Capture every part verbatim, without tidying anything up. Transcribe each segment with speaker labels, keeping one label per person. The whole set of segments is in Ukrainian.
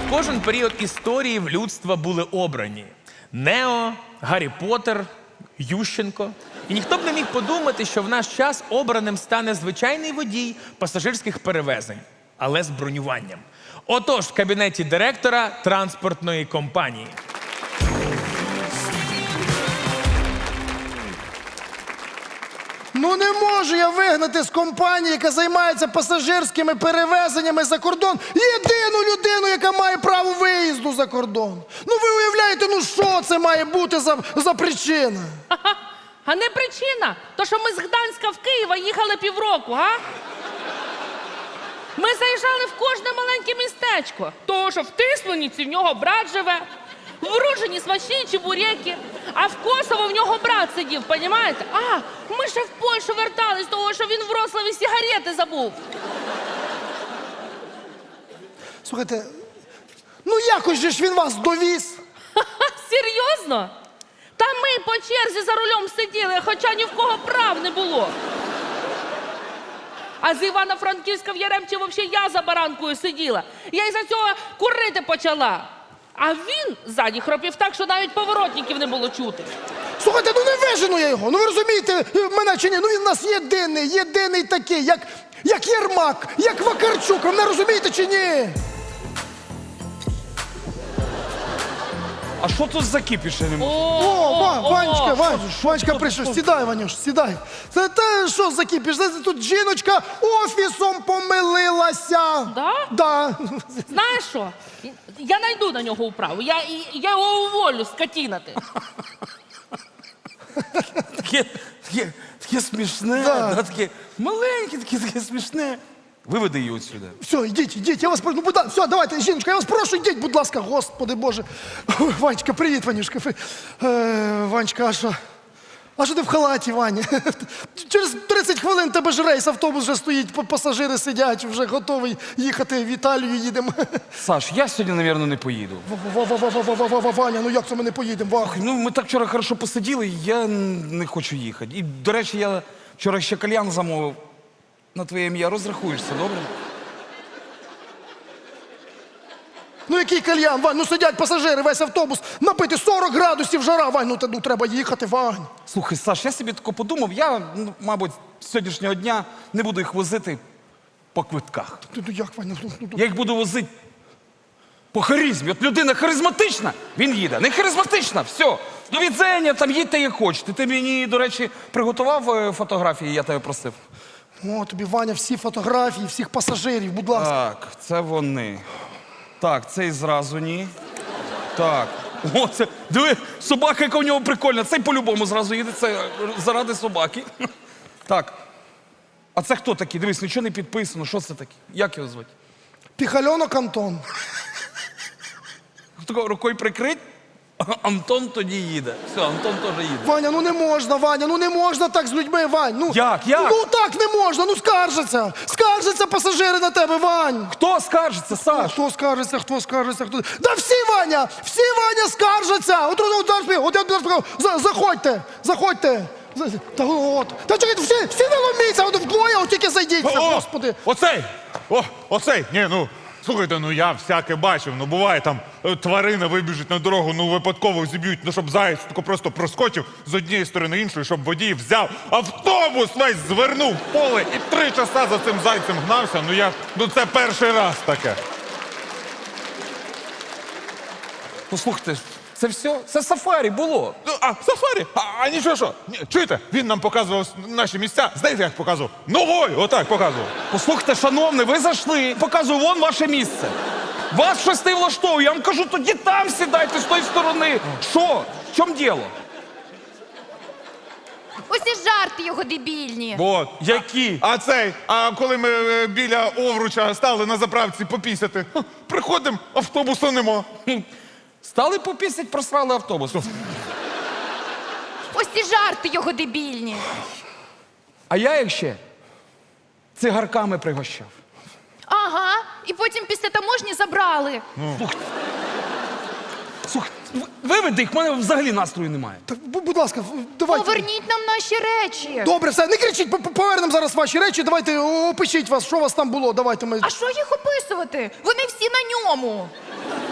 Speaker 1: в кожен період історії в людства були обрані. Нео, Гаррі Поттер, Ющенко. І ніхто б не міг подумати, що в наш час обраним стане звичайний водій пасажирських перевезень, але з бронюванням. Отож, в кабінеті директора транспортної компанії.
Speaker 2: Ну не можу я вигнати з компанії, яка займається пасажирськими перевезеннями за кордон, єдину людину, яка має право виїзду за кордон. Ну ви уявляєте, ну що це має бути за, за причина?
Speaker 3: Ха-ха. А не причина, то що ми з Гданська в Києва їхали півроку, га? Ми заїжджали в кожне маленьке містечко, того, що в Тисманиці в нього брат живе, в Ружині смачні чебуреки, а в Косово в нього брат сидів, понімаєте? А, ми ще в Польщу вертались, того, що він в Вроцлаві сигарети забув.
Speaker 2: Слухайте, ну якось же ж він вас довіз.
Speaker 3: Ха-ха, серйозно? Та ми по черзі за рулем сиділи, хоча ні в кого прав не було. А з Івано-Франківська в Яремчі взагалі я за баранкою сиділа. Я із-за цього курити почала. А він ззаді хропів так, що навіть поворотників не було чути.
Speaker 2: Слухайте, ну не вижену я його, ну ви розумієте мене чи ні? Ну він у нас єдиний, єдиний такий, як, як Єрмак, як Вакарчук, ви мене розумієте чи ні?
Speaker 4: А що тут за кіпіш, я не можу?
Speaker 2: О, Ва-
Speaker 3: о,
Speaker 2: Ванечка,
Speaker 3: о.
Speaker 2: Вань, Ванечка прийшов. Сідай, Ванюш, сідай. Це те, що закипіш? Знаєте, тут жіночка офісом помилилася.
Speaker 3: Да?
Speaker 2: Да.
Speaker 3: Знаєш що? Я найду на нього управу. Я, я його уволю, скотіна ти.
Speaker 4: Таке, таке, таке смішне,
Speaker 2: Да.
Speaker 4: да, таке маленьке, таке, таке смішне. Виведи її отсюди.
Speaker 2: Все, йдіть, йдіть, я вас прошу. Ну, будь ласка, все, давайте, жіночка, я вас прошу, йдіть, будь ласка, Господи Боже. Ой, Ванечка, привіт, Ванюшка. Е, Ванечка, а що? А що ти в халаті, Ваня? Через тридцять хвилин тебе ж рейс, автобус вже стоїть, па- пасажири сидять, вже готовий їхати в Італію, їдемо.
Speaker 4: Саш, я сьогодні, мабуть, не поїду.
Speaker 2: Ва-ва-ва-ва-ва-ва-ва-ва, Ваня, ну як це ми не поїдемо, Вах?
Speaker 4: Ну, ми так вчора хорошо посиділи, я не хочу їхати. І, до речі, я вчора ще кальян замовив. На твоє ім'я розрахуєшся, добре?
Speaker 2: Ну який кальян, Вань, ну сидять пасажири, весь автобус, напити сорок градусів жара, Вань, ну, та, ну треба їхати, Вань.
Speaker 4: Слухай, Саш, я собі тако подумав, я, ну, мабуть, з сьогоднішнього дня не буду їх возити по квитках.
Speaker 2: Ну, ну як, Ваня, ну, ну, ну.
Speaker 4: Я їх буду возити по харизмі. От людина харизматична, він їде. Не харизматична, все. До відзення, там їдьте як хочете. Ти мені, до речі, приготував е, фотографії, я тебе просив.
Speaker 2: О, тобі, Ваня, всі фотографії, всіх пасажирів, будь ласка.
Speaker 4: Так, це вони. Так, цей зразу ні. Так. О, це, диви, собака, яка у нього прикольна. Цей по-любому зразу їде, це заради собаки. Так. А це хто такий? Дивись, нічого не підписано. Що це таке? Як його звати?
Speaker 2: Піхальонок Антон.
Speaker 4: Тако рукою прикрить, Антон тоді їде. Все, Антон теж їде.
Speaker 2: Ваня, ну не можна, Ваня, ну не можна так з людьми, Вань. Ну,
Speaker 4: Як, як?
Speaker 2: Ну так не можна, ну скаржаться. Скаржаться пасажири на тебе, Вань.
Speaker 4: Хто скаржиться, Саш?
Speaker 2: Хто скаржиться, хто скаржиться, хто... Да всі, Ваня, всі, Ваня, скаржаться. От, от, от, от, от, от, от, за- заходьте, заходьте. За- Та от. Та чекайте, всі, всі не ломіться, от вдвоє, от тільки зайдіться,
Speaker 5: О,
Speaker 2: Господи.
Speaker 5: Оцей! О, оцей! Ні, ну, слухайте, ну я всяке бачив. Ну буває там е, тварина вибіжить на дорогу, ну випадково зіб'ють, ну щоб заєць тако просто проскочив з однієї сторони іншої, щоб водій взяв автобус весь звернув в поле і три часа за цим зайцем гнався. Ну я, ну це перший раз таке.
Speaker 4: Послухайте, це все? Це сафарі було.
Speaker 5: Ну, а, сафарі? А, а нічого що? Ні, чуєте, він нам показував наші місця. Знаєте, як показував? Ногою, отак показував.
Speaker 4: Послухайте, шановний, ви зайшли. Показую, вон ваше місце. Вас щось не влаштовує. Я вам кажу, тоді там сідайте з тої сторони. Що? В чому діло?
Speaker 6: Ось і жарти його дебільні.
Speaker 5: От.
Speaker 4: Які?
Speaker 5: А цей, а коли ми е, біля Овруча стали на заправці попісяти, ха, приходимо, автобуса нема.
Speaker 4: Стали попісять, просрали автобус.
Speaker 6: Ось і жарти його дебільні.
Speaker 4: А я їх ще цигарками пригощав.
Speaker 6: Ага, і потім після таможні забрали.
Speaker 4: Слухай, в- виведи їх, в мене взагалі настрою немає.
Speaker 2: Так, бу- будь ласка, давайте.
Speaker 6: Поверніть нам наші речі.
Speaker 2: Добре, все, не кричіть, по- по- повернемо зараз ваші речі, давайте о, опишіть вас, що у вас там було, давайте ми...
Speaker 6: А що їх описувати? Вони всі на ньому.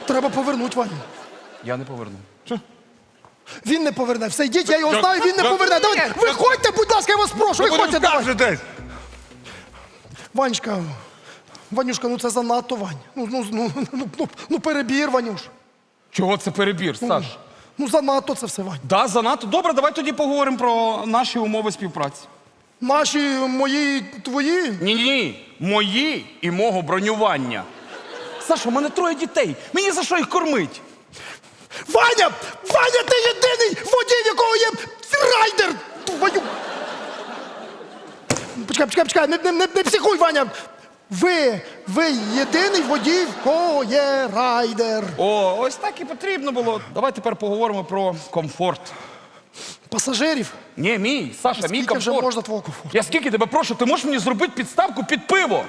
Speaker 2: Треба повернути, Ваню.
Speaker 4: Я не поверну.
Speaker 2: Він не поверне. Все, йдіть, я його
Speaker 5: Я-
Speaker 2: знаю, він не
Speaker 5: я-
Speaker 2: поверне. Давайте, виходьте, будь ласка, я вас прошу,
Speaker 5: Ви
Speaker 2: виходьте, давай.
Speaker 5: скажетесь.
Speaker 2: Ванечка, Ванюшка, ну це занадто, Вань. Ну, ну, ну, ну, ну, ну перебір, Ванюш.
Speaker 4: Чого це перебір, Саш?
Speaker 2: Ну занадто це все, Вань.
Speaker 4: Да, занадто. Добре, давай тоді поговоримо про наші умови співпраці.
Speaker 2: Наші, мої, твої.
Speaker 4: Ні-ні, мої і мого бронювання. Саша, у мене троє дітей. Мені за що їх кормить?
Speaker 2: Ваня! Ваня, ти єдиний водій, в якого є райдер! Ваню! Почекай, почекай, почекай, не, не, не, не психуй, Ваня! Ви, ви єдиний водій, в кого є райдер.
Speaker 4: О, ось так і потрібно було. Давай тепер поговоримо про комфорт.
Speaker 2: Пасажирів.
Speaker 4: Ні, мій, Саша, мій
Speaker 2: Скільки вже
Speaker 4: комфорт.
Speaker 2: можна твого комфорту?
Speaker 4: Я скільки тебе прошу, ти можеш мені зробити підставку під пиво?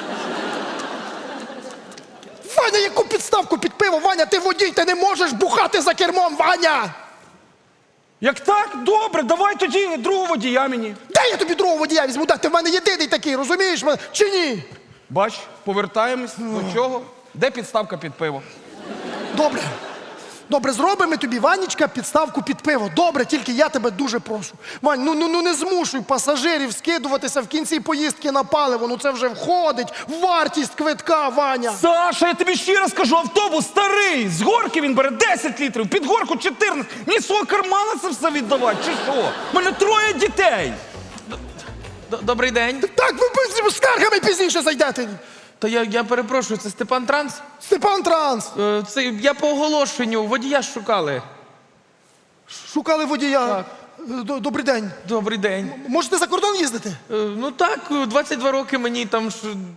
Speaker 2: Ваня, яку підставку під пиво? Ваня, ти водій, ти не можеш бухати за кермом, Ваня!
Speaker 4: Як так? Добре, давай тоді другого водія мені.
Speaker 2: Де я тобі другого водія візьму? Да, ти в мене єдиний такий, розумієш мене? Чи ні?
Speaker 4: Бач, повертаємось до чого? Де підставка під пиво?
Speaker 2: Добре. Добре, зробимо тобі, Ванечка, підставку під пиво. Добре, тільки я тебе дуже прошу. Вань, ну, ну, ну не змушуй пасажирів скидуватися в кінці поїздки на паливо. Ну це вже входить в вартість квитка, Ваня.
Speaker 4: Саша, я тобі ще раз кажу, автобус старий. З горки він бере десять літрів, під горку чотирнадцять. Мені з свого кармана це все віддавати, чи що? У мене троє дітей.
Speaker 1: Д- Добрий день.
Speaker 2: Так, ви ви з скаргами пізніше зайдете.
Speaker 1: Та я, я перепрошую, це Степан Транс?
Speaker 2: Степан Транс.
Speaker 1: Е, Це я по оголошенню, водія ж шукали.
Speaker 2: Шукали водія. Д- Добрий день.
Speaker 1: Добрий день.
Speaker 2: Можете за кордон їздити?
Speaker 1: Е, Ну так, двадцять два роки мені там ж.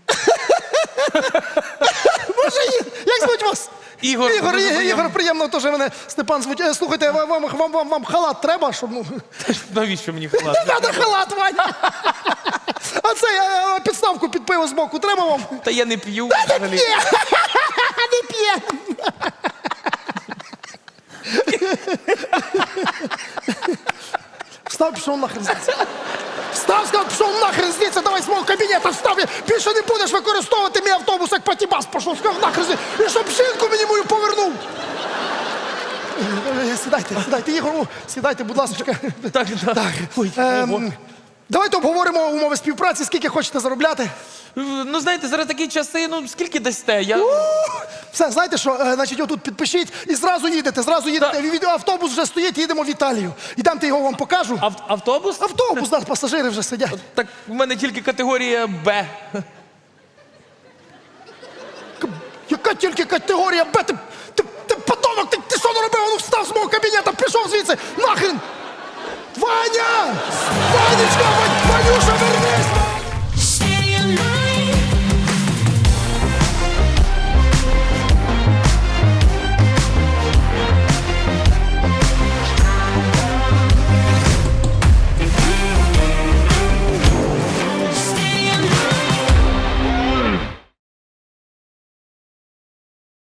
Speaker 2: Може, ї- як звуть вас?
Speaker 1: Ігор,
Speaker 2: Ігор,
Speaker 1: дуже
Speaker 2: Ігор,
Speaker 1: приємно.
Speaker 2: Ігор, приємно теж мене Степан звуть. Е, Слухайте, вам, вам, вам, вам, вам халат треба, щоб ну.
Speaker 1: Навіщо мені халат?
Speaker 2: Не треба халат, Ваня. А це е, підставку під пиво з боку треба вам?
Speaker 1: Та я не п'ю взагалі.
Speaker 2: Ні, не п'є. Встав, пішов нахрен звідси. Встав, сказав, пішов нахрен звідси, давай з мого кабінету встав. Більше не будеш використовувати мій автобус, як патібас пішов, сказав нахрен звідси. І щоб жінку мені мою повернув. Е, Сідайте, сідайте, Ігор, о, сідайте, будь ласка.
Speaker 1: Так, так. Ой,
Speaker 2: Ем, давайте обговоримо умови співпраці, скільки хочете заробляти.
Speaker 1: Е, Ну, знаєте, зараз такі часи, ну скільки дасте? Я...
Speaker 2: Все, знаєте що, е, значить, отут підпишіть і зразу їдете, зразу їдете. Від- Автобус вже стоїть, їдемо в Італію. Ідемте, його вам покажу.
Speaker 1: Ав- автобус?
Speaker 2: Автобус, нас пасажири вже сидять.
Speaker 1: Так в мене тільки категорія Б.
Speaker 2: Яка тільки категорія Б? Ти, ти, ти подонок, ти, ти що наробив? Ну встав з мого кабінету, пішов звідси, нахрен! Ваня! Ванечка, Вань, Ванюша, верни!